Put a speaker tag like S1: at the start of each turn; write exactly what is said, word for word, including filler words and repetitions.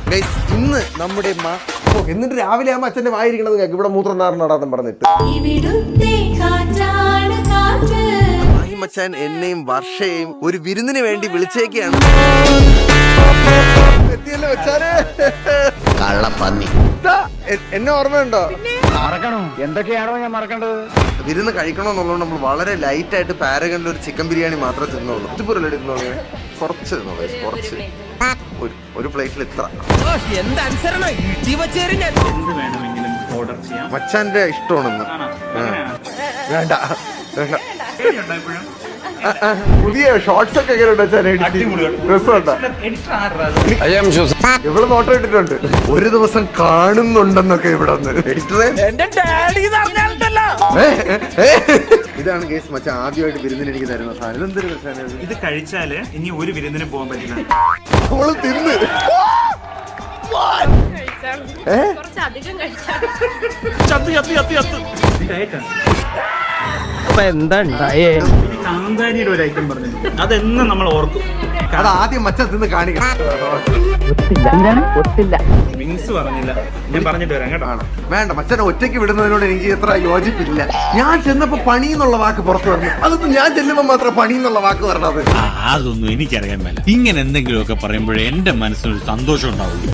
S1: ഇന്ന് നമ്മുടെ എന്നിട്ട് രാവിലെ ആകുമ്പോ അച്ഛന്റെ വായിരിക്കണത് കേൾക്കും ഇവിടെ മൂത്രം നാറിനടാന്ന് പറഞ്ഞിട്ട് മച്ചാൻ എന്നെയും വർഷയെയും ഒരു വിരുന്നിന് വേണ്ടി വിളിച്ചേക്കാണ്. എത്തിയല്ലോ വെച്ചാല്
S2: കള്ളപ്പന്നി.
S1: എന്നെ ഓർമ്മയുണ്ടോ?
S3: മറക്കണോ? എന്തൊക്കെയാണോ ഞാൻ മറക്കേണ്ടത്?
S1: വിരുന്ന് കഴിക്കണമെന്നുള്ളത് നമ്മൾ വളരെ ലൈറ്റ് ആയിട്ട് പാരഗണിൽ ഒരു ചിക്കൻ ബിരിയാണി മാത്രമേ തിന്നുള്ളൂ. ഇതുപോലെ തിന്നോളൂ, കുറച്ച് തിന്നോളൂ, കുറച്ച് ഒരു പ്ലേറ്റിൽ ഇത്ര. മച്ചാന്റെ ഇഷ്ടമാണെന്ന് വേണ്ട വേണ്ട. പുതിയ ഷോർട്സ് ഒക്കെ ഇവിടെ നോട്ടം ഇട്ടിട്ടുണ്ട്. ഒരു ദിവസം കാണുന്നുണ്ടെന്നൊക്കെ ഇവിടെ ഇതാണ് കേസ്. മച്ചാൻ ആദ്യമായിട്ട് വിരുന്നിന് എനിക്ക് തരുന്ന സാധനം. ഇതെന്തൊരു പ്രശ്നം?
S4: ഇത് കഴിച്ചാല് ഇനി ഒരു വിരുന്നിന് പോകാൻ പറ്റില്ല.
S1: അവള് തിന്ന്
S4: കാന്താരിയുടെ ഒരു ഐറ്റം പറഞ്ഞു, അതെന്നും നമ്മൾ ഓർക്കും.
S1: അത് ആദ്യം മച്ചാൻ തിന്ന് കാണിക്കണം.
S4: വിങ്സ് പറഞ്ഞില്ല, ഞാൻ പറഞ്ഞിട്ട് വരാം കേട്ടോ.
S1: വേണ്ട, മച്ചാനെ ഒറ്റയ്ക്ക് വിടുന്നതിനോട് എനിക്ക് എത്ര യോജിപ്പില്ല. ഞാൻ ചെന്നപ്പോ പണി എന്നുള്ള വാക്ക് പുറത്തു വരണം. അതൊന്നും ഞാൻ ചെല്ലുമ്പോ മാത്രം പണി എന്നുള്ള വാക്ക് വരണത്.
S5: അതൊന്നും എനിക്കറിയാൻ മേല. ഇങ്ങനെ എന്തെങ്കിലുമൊക്കെ പറയുമ്പോഴേ എന്റെ മനസ്സിനൊരു സന്തോഷം ഉണ്ടാവുള്ളൂ.